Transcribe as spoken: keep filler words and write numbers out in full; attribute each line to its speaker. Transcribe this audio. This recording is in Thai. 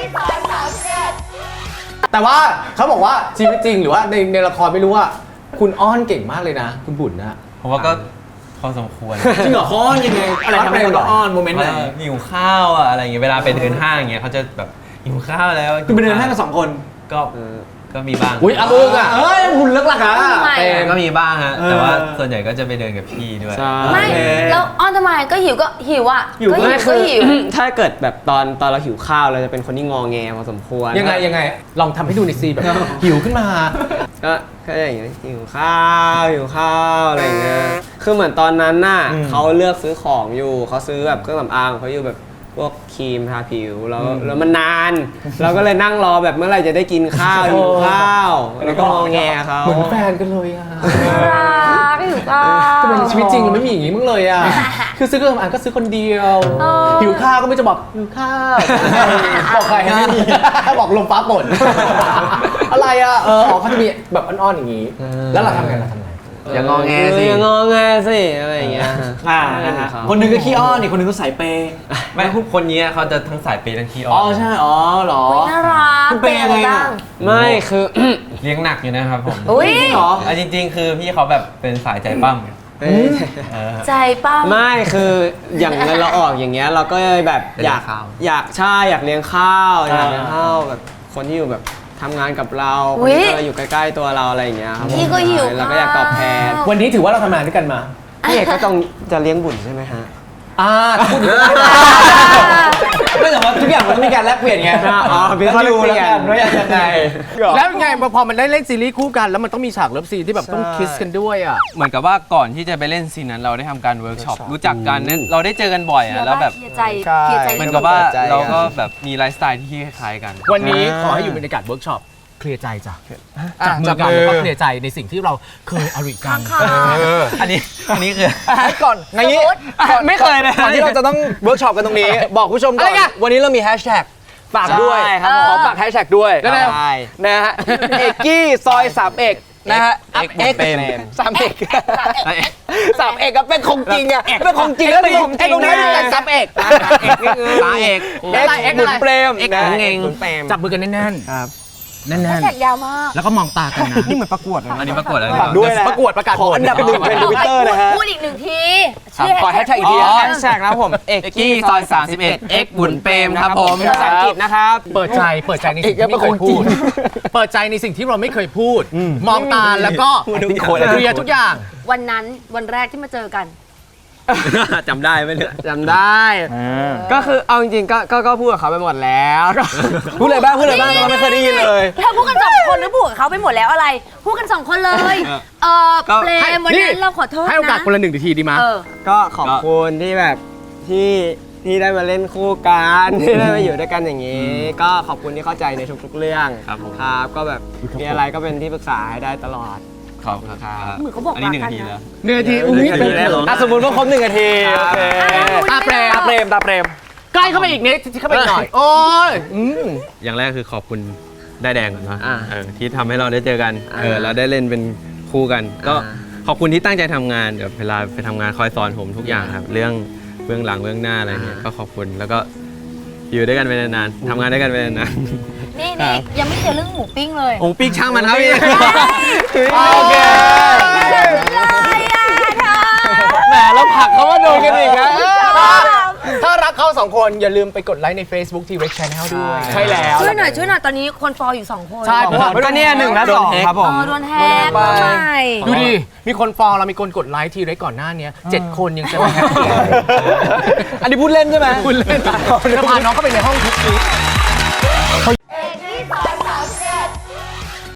Speaker 1: ซอยสามเจ็ด
Speaker 2: แต่ว่าเขาบอกว่าชีวิตจริงหรือว่าในในละครไม่รู้ว่าคุณอ้อนเก่งมากเลยนะคุณบุญนะ
Speaker 3: ผมว่าก็พอสมควร
Speaker 4: จริงเหรอเขาอ้อนยังไงอะไรทำให้เราอ้อนโมเมนต์ไหน
Speaker 3: หิวข้าวอะอะไรอย่างเงี้ยเวลาไปเดินห้างอย่างเงี้ยเขาจะแบบหิวข้าวแล้ว
Speaker 4: คือไปเดินห้างกันสองคน
Speaker 3: ก็ก็มีบ้าง
Speaker 2: อุ้ยอามึงอ่ะ
Speaker 4: เอ้ยคุณเลิกละค่ะ
Speaker 3: แต่ก็มีบ้างฮะ
Speaker 4: เออ
Speaker 3: แต่ว่าส่วนใหญ่ก็จะไปเดินกับพี่ด้วย
Speaker 5: ใช่
Speaker 1: ไม่แล้วอ้อนทำไมก็หิวก็หิวอ่ะ
Speaker 4: หิว
Speaker 1: ก็หิว
Speaker 5: ไม่
Speaker 1: ก็
Speaker 5: คือ
Speaker 1: หิว
Speaker 5: ถ้าเกิดแบบตอนตอนเราหิวข้าวเราจะเป็นคนที่งอแงพอสมควร
Speaker 2: ยังไงยังไงลองทำให้ดูในซีแบบหิวขึ้นมา
Speaker 5: ก็ก็อย่างเงี้ยหิวข้าวหิวข้าวอะไรอย่างเงี้ยคือเหมือนตอนนั้นน่ะเขาเลือกซื้อของอยู่เขาซื้อแบบเครื่องสำอางเขาอยู่แบบพวกครีมทาผิวแล้วแล้วมันนาน เราก็เลยนั่งรอแบบเมื่อไหร่จะได้กินข้าวหิวข้าวแล้วก็งอแงเขา
Speaker 2: เหมือนแฟนกันเลยอ่ะ
Speaker 1: รักหิวข้าว
Speaker 2: ทำไมในชีวิตจริงเราไม่มีอย่างนี้มึงเลยอ่ะคือซื้อเครื่องสำอางก็ซื้อคนเดียว
Speaker 1: เออ
Speaker 2: หิวข้าวก็ไม่จะบอกหิวข้าวบอกใครให้ไม่มีบอกลมฟ้าฝนอะไรอ่ะเอออ๋อเขาจะมีแบบอ่อนๆอย่างนี้ แล้วเราทำไงเราทำไง
Speaker 5: อย่างงอแงสิอย่างงอแงสิอะไรอย่างเงี้ย
Speaker 4: อ่านะฮะคนหนึงก็ขี้อ้อนอีกคนหนึงก็สายเปย์
Speaker 3: ไม่คนนี้เขาจะทั้งสายเปย์ทั้งขี้อ้
Speaker 4: อ๋อ
Speaker 3: อน
Speaker 4: ใช่อ๋อเหรอ
Speaker 1: น่ารัก
Speaker 4: คุณเป็นยังไงอะ
Speaker 5: ไม่คือ
Speaker 3: เลี้ยงหนักอยู่นะครับผม
Speaker 1: อุ้ย
Speaker 4: จริงเหรอ
Speaker 3: อ่ะจริง ๆ คือพี่เขาแบบเป็นสายใจปั้มเออ
Speaker 1: ใจป้า
Speaker 5: ไม่คืออย่างเงินเราออกอย่างเงี้ยเราก็แบบอยาก
Speaker 3: เลี้ยงข้าว
Speaker 5: อยากใช่อยากเลี้ยงข้าวอยากเลี้ยงข้าวแบบคนที่อยู่แบบทำงานกับเราคนที่เราอยู่ใกล้ๆตัวเราอะไรอย่างเงี้ยครับ
Speaker 1: พี่ก็หิว
Speaker 5: เราก็อยากตอบแทน
Speaker 2: วันนี้ถือว่าเราทำงานด้วยกันมา
Speaker 5: พี่เอกก็ต้องจะเลี้ยงบุญใช่ไหมฮะ
Speaker 2: อ่าพูดถึง
Speaker 4: ไม่แต่ว่าทุกอย่างมันต้องมีการแลกเปลี่ยนไง
Speaker 5: อ๋อเป็นข้อ
Speaker 4: ดู
Speaker 5: แลกเปลี่
Speaker 4: แล้ว
Speaker 5: ยน
Speaker 4: กันว่ายังไง
Speaker 2: แล้วไงพอมันได้เล่นซีรีส์คู่กันแล้วมันต้องมีฉากเลิฟซีนที่แบบต้องคิสกันด้วยอ่ะ
Speaker 3: เหมือนกับว่าก่อนที่จะไปเล่นซีนนั้นเราได้ทำการเวิร์กช็อปรู้จักกันเนี่ยเราได้เจอกันบ่อยอะแล้วแบบ
Speaker 1: เคลียร์ใจเคลียร์ใจ
Speaker 3: เหมือนกับว่าเราก็แบบมีไลฟ์สไตล์ที่คล้ายๆกัน
Speaker 2: วันนี้ขอให้อยู่บรรยากาศเวิร์กช็อปเคลียร์ใจจ้ะจับมือกันแล้วก็เคลียร์ใจในสิ่งที่เราเคยอริกัน
Speaker 1: ค่ะ
Speaker 3: อันนี้อันนี้คือ
Speaker 4: ก่อนในนี้
Speaker 5: ไม่เคยเลย
Speaker 4: ก่อนที่เราจะต้องเวิร์กช็อปกันตรงนี้ บอกผู้ชมก่อนวันนี้เรามีแฮชแท็กฝากด้วย
Speaker 5: ใช่ครับ
Speaker 4: ขอฝากแฮชแท็กด้วย
Speaker 5: ได้
Speaker 4: นะฮะเอกกี้ซอยสามเอกนะฮะ
Speaker 3: เอกเอกเป็น
Speaker 4: สามเอกสามเอกก็เป็นของจริงอะเป็นของจริงแล้วนี่ไอ้ตรงนี้เป็นสามเอก
Speaker 5: ตาเอก
Speaker 4: เอกเอกหมุนเปรม
Speaker 5: เอก
Speaker 4: นะ
Speaker 5: เองเปรม
Speaker 2: จับมือกันแน่น
Speaker 5: ครับ
Speaker 2: ๆแน่น
Speaker 1: แท็กยาวมาก
Speaker 2: ๆแล้วก็มองตากันนะ
Speaker 5: นี่เหมือนประกวดเลย
Speaker 3: อันนี้ประกวดอะไร
Speaker 4: ฝากด้วยนะ
Speaker 2: ประกวดประกาศ
Speaker 4: ขออันดับหนึ่งเป็นทวิตเตอร์นะฮะ
Speaker 1: พูดอีกหนึ่งที
Speaker 4: ขอแฮชแท็กอีกที
Speaker 5: แฮชแท็กนะครับผมเอก
Speaker 3: เอกกี้ซอยสามสิบเอ็ดเอกบุญเปรมครับผม
Speaker 5: ภาษาอังกฤษนะครับ
Speaker 2: เปิดใจเปิดใจในสิ่งที่ไม่เคยพูด เปิดใจในสิ่งที่เราไม่เคยพูด มองตาแล้วก็เคลียร์ทุกอย่าง
Speaker 1: วันนั้นวันแรกที่มาเจอกัน
Speaker 3: จำได้ไหมเนี่ย
Speaker 5: จำได้ ก็คือเอาจริงๆก็ก็ก็พูดกับเขาไปหมดแล้วก็
Speaker 4: พูดเลยบ้างพูดเลยบ้างเราไม่เคยได้ยินเลย
Speaker 1: เธอพูดกันสองคนหรือพูดกับเขาไปหมดแล้วอะไร พูดกันสองคนเลย เออเปรมวันนั้นเราขอโทษนะ
Speaker 2: ให้โอกาสคนละหนึ่งนาทีดีมั้ย
Speaker 1: เออ
Speaker 5: ก็ขอบคุณที่แบบที่ที่ได้มาเล่นคู่กันที่ได้มาอยู่ด้วยกันอย่างนี้ ก็ขอบคุณที่เข้าใจในทุกๆเรื่อง
Speaker 3: ครับผม
Speaker 5: ครับก็แบบมีอะไรก็เป็นที่ปรึกษาให้ได้ตลอด
Speaker 3: ขอบคุณครับ
Speaker 1: เหมือนเขาบอก
Speaker 3: อันนี้หนึ่ง
Speaker 1: รัก
Speaker 3: นา
Speaker 1: กัน
Speaker 3: ที
Speaker 1: นะ
Speaker 3: แล้ว
Speaker 2: หนึ่งนาทีอุ้ย
Speaker 3: หนึ่งนาทีแล้ว
Speaker 4: อ่ะสมมติว่าครบหนึ่งนาทีโอเค
Speaker 2: ตาเปรม
Speaker 4: ตาเปรมตาเปรม
Speaker 2: ใกล้เข้าไปอีกนิดเข้าไปอีกหน่อย โอ้ยอืม
Speaker 3: อย่างแรกคือขอบคุณได้แดงก่อนเนาะ
Speaker 5: อ่า
Speaker 3: เออที่ทำให้เราได้เจอกัน
Speaker 5: อ่า
Speaker 3: เออเราได้เล่นเป็นคู่กัน ก็
Speaker 5: อ่า
Speaker 3: ขอบคุณที่ตั้งใจทำงานเดี๋ยวเวลาไปทำงานคอยสอนผมทุกอย่างครับ เรื่องเบื้องหลังเบื้องหน้าอะไรเนี่ยก็ขอบคุณแล้วก็อยู่ด้วยกันไปนานๆทำงานด้วยกันไปนาน
Speaker 1: นี่นี่ยังไม่เจอเรื่องหมูปิ้งเลย
Speaker 3: ๆโอ้ปีกช่างมันครับพี่
Speaker 4: โอเค
Speaker 1: เลยอ่ะเธอ
Speaker 4: แหมเราผลักเขามาโดนกันอีกนะ
Speaker 2: ถ้ารักเขาสองคนอย่าลืมไปกดไลค์ใน Facebook ที Rex Channel ด้วย
Speaker 4: ใช่แล้ว
Speaker 1: ช่วยหน่อยช่วยหน่อยตอนนี้คนฟอลอยู่สองคน
Speaker 2: ใช่เพราะว่า
Speaker 5: ก็เนี่ยหนึ่งและสองครับผ
Speaker 1: เอ
Speaker 5: ม
Speaker 1: อโดนแฮกทำไม
Speaker 2: ดูดิ มีคนฟอลเรามีคนกดไลค์ที Rex ก่อนหน้านี้เจ็ดคนยังจะไม่แฮปปี้
Speaker 4: อันนี้พูดเล่นใช่ไหม
Speaker 2: คุณเล่นจะพาน้องเข้าไปในห้องทุกที